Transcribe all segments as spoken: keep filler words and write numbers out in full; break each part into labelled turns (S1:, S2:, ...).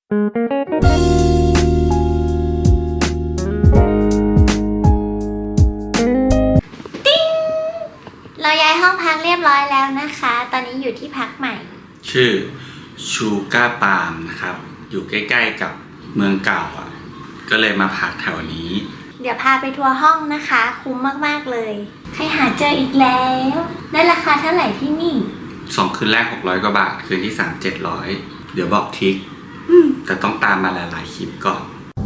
S1: ติ๊งเราย้ายห้องพักเรียบร้อยแล้วนะคะ ตอนนี้อยู่ที่พักใหม่
S2: ชื่อชูก้าปาล์มนะครับอยู่ใกล้ๆกับเมืองเก่าอ่ะก็เลยมาพักแถวนี้
S1: เดี๋ยวพาไปทัวร์ห้องนะคะคุ้มมากๆเลยใครหาเจออีกแล้วได้ราคาเท่าไหร่ที่นี่
S2: สองคืนแรกหกร้อยกว่าบาทคืนที่สามเจ็ดร้อยเดี๋ยวบอกทิกแต่ต้องตามมาหลายๆคลิปก่อน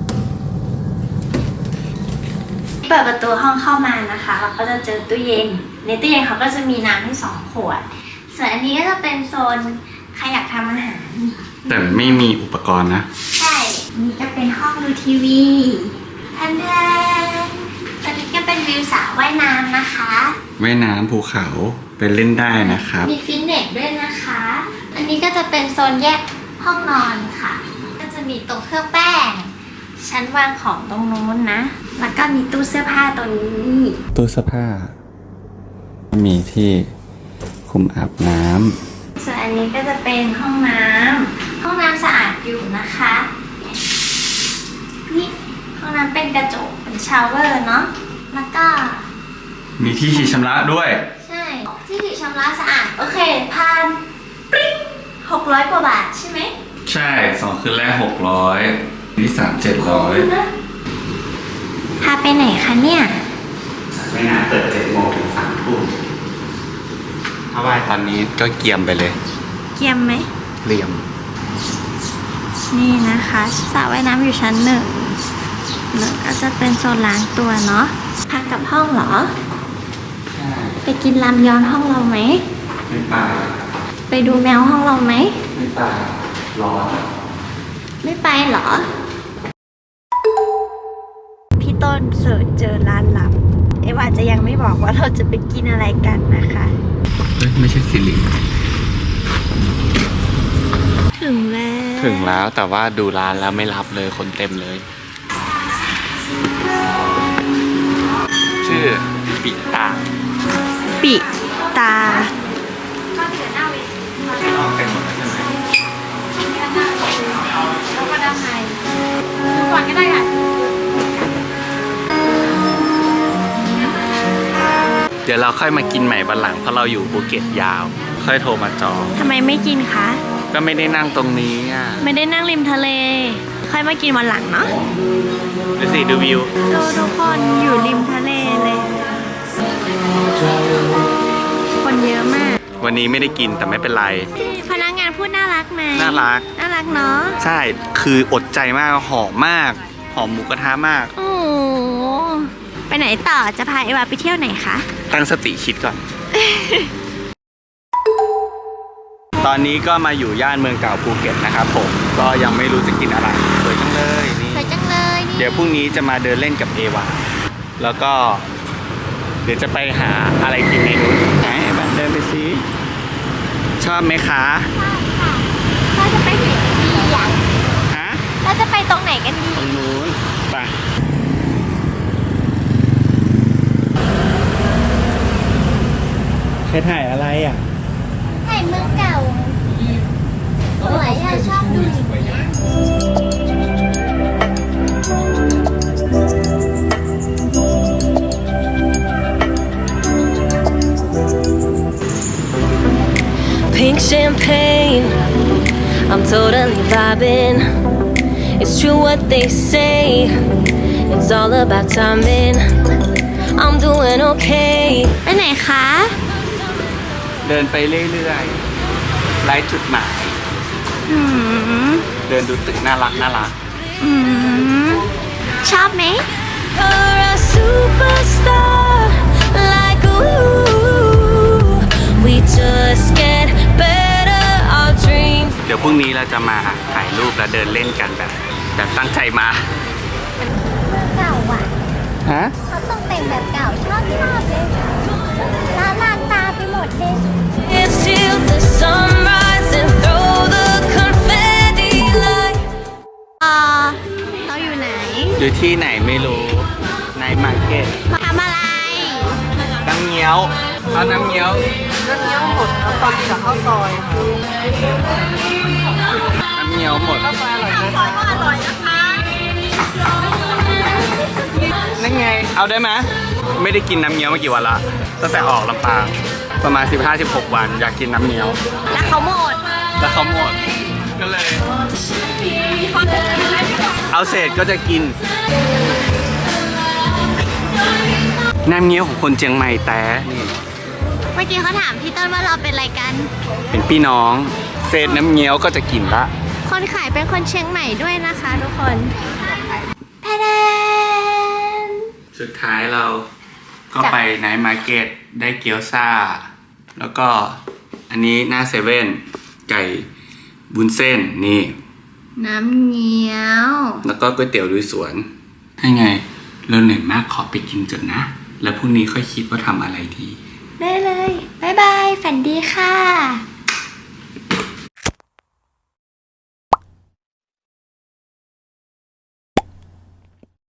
S1: เปิดประตูห้องเข้ามานะคะเราก็จะเจอตู้เย็นในตู้เย็นเขาก็จะมีน้ำให้สองขวดส่วนอันนี้ก็จะเป็นโซนใครอยากทำอาหาร
S2: แต่ไม่มีอุปกรณ์นะ
S1: ใช่นี่ก็เป็นห้องดูทีวีทันทันตอนนี้ก็เป็นวิวสระว่ายน้ำนะคะ
S2: ว่ายน้ำภูเขาไปเล่นได้นะครับ
S1: มีฟิตเนสด้วยนะคะอันนี้ก็จะเป็นโซนแยกห้องนอนค่ะก็จะมีตรงเครื่องแป้งชั้นวางของตรงนู้นนะแล้วก็มีตู้เสื้อผ้าตรงนี้
S2: ตู้เสื้อผ้ามีที่คุมอาบน้ำ
S1: ส่วนอันนี้ก็จะเป็นห้องน้ำห้องน้ำสะอาดอยู่นะคะนี่ห้องน้ำเป็นกระจกเป็นชาวเวอร์เนาะแล้วก็
S2: มีที่ฉีดชำระด้วย
S1: ใช่ที่ฉีดชำระสะอาดโอเคพันปริ้งหกร้อยกว่าบาทใช่ไหม
S2: ใช่สองคืนแรกหกร้อยที่สามเจ็ดร้อย
S1: พาไปไหนคะเนี่ย
S2: ไม่นานเปิดเจ็ดโมงถึงสามทุ่มถ้าว่ายตอนนี้ก็เกียมไปเลย
S1: เกียมไหม
S2: เกียม
S1: นี่นะคะสระว่ายน้ำอยู่ชั้นหนึ่งหนึ่งก็จะเป็นโซนล้างตัวเนาะพักกับห้องเหรอ
S2: ใช่
S1: ไปกินรามยอนห้องเราไหม
S2: ไม่ไป
S1: ไปดูแมวห้องเราไหม
S2: ไม่ไปร้อน
S1: ไม่ไปเหรอพี่ต้นเสิร์ชเจอร้านลับเอว่าจะยังไม่บอกว่าเราจะไปกินอะไรกันนะคะ
S2: เฮ้ยไม่ใช่สิริ
S1: ถึงแล้ว
S2: ถึงแล้วแต่ว่าดูร้านแล้วไม่รับเลยคนเต็มเลยชื่อปิตา
S1: ปิตา
S2: ลองเป็นหมดแล้วใช่ไหม
S1: แล้วก็ด้านในก่อนก็ได้ค่ะ
S2: เดี๋ยวเราค่อยมากินใหม่วันหลังเพราะเราอยู่ภูเก็ตยาวค่อยโทรมาจอง
S1: ทำไมไม่กินคะ
S2: ก็ไม่ได้นั่งตรงนี้อ่ะ
S1: ไม่ได้นั่งริมทะเลค่อยมากินวันหลังเนาะ
S2: ดูสิดูวิว
S1: ดูทุกคนอยู่ริมทะเลเลยคนเยอะมาก
S2: วันนี้ไม่ได้กินแต่ไม่เป็นไร
S1: พนักงานพูดน่ารักไหม
S2: น่ารัก
S1: น่ารักเนาะ
S2: ใช่คืออดใจมากหอมมากหอมหมูกระทะมาก
S1: โอ้ไปไหนต่อจะพาเอวาไปเที่ยวไหนคะ
S2: ตั้งสติคิดก่อน ตอนนี้ก็มาอยู่ย่านเมืองเก่าภูเก็ตนะครับผมก็ยังไม่รู้จะกินอะไรสวยจังเลยนี่
S1: สวยจังเลย
S2: เดี๋ยวพรุ่งนี้จะมาเดินเล่นกับเอวาแล้วก็เดี๋ยวจะไปหาอะไรกินในนู้นไหนบ้านเดินไปสิชอบไหมคะ
S1: ชอบค่ะเราจะไปไหนกันดีอ่ะ
S2: ฮะ
S1: เราจะไปตรงไหนกันดี
S2: ตรงนู้นไปใครถ่ายอะไรอ่ะ
S1: ถ่ายเมืองเก่าสวยอ่ะชอบดู
S3: Pink champagne, I'm totally vibing. It's true what they say, it's all about timing. I'm doing okay.
S1: ไปไหนคะ
S2: เดินไปเรื่อยๆไร้จุดหมายเดินดูตึกน่ารักน่ารัก
S1: ชอบไหม
S3: You're a superstar, like ooh, we just get better, our dreams.
S2: เดี๋ยวพรุ่งนี้เราจะมาถ่ายรูปและเดินเล่นกันแบบแบบตั้งใจมา
S1: เมืองเก่าอ่ะ
S2: ฮะ
S1: เขาต้องแต่งแบบเก่าชอบชอบเลยลาลาตาไปหมดเลย
S3: It's till the sunrise and throw the confetti light.
S1: อ่าเราอยู่ไหน
S2: อยู่ที่ไหนไม่รู้ในมาร์เก็ต
S1: มาทำอะไร
S2: น้ำเงี้ยวเอาน้ำเงี้ยว
S4: น้ำเงี้ยวหมดครับตอนนี้กับข้าวซอยครับ
S2: น้ำำเงี้ยวหมด
S1: ซอยก็อร่อยนะคะ
S2: นั่นไง เอาได้ไหมไม่ได้กินน้ำเงี้ยวมากี่วันละตั้งแต่ออกลำปางประมาณ สิบห้าสิบหก วันอยากกินน้ำเงี้ยว
S1: แล้วเขาหมด
S2: แล้วเขาหมดก็เลย เอาเศษก็จะกิน น้ำเงี้ยวของคนเชียงใหม่แต่นี่
S1: เมื่อกี้เขาถามพี่ต้นว่าเราเป็นอะไรกัน
S2: เป็นพี่น้อง เศษน้ำเงี้ยวก็จะกินละ
S1: คนขายเป็นคนเชียงใหม่ด้วยนะคะทุกคนแพแดน
S2: สุดท้ายเราก็ไปไนท์มาร์เก็ตได้เกี๊ยวซ่า แล้วก็อันนี้หน้าเซเว่นไก่บุญเส้นนี่
S1: น้ำเงี้ยว
S2: แล้วก็ก๋วยเตี๋ยวลุยสวนให้ไงเราเหนื่อยมากขอไปกินจนนะ แล้วพรุ่งนี้ค่อยคิดว่าทำอะไรดี
S1: ได้เลย บ๊ายบาย ฝันดีค่ะ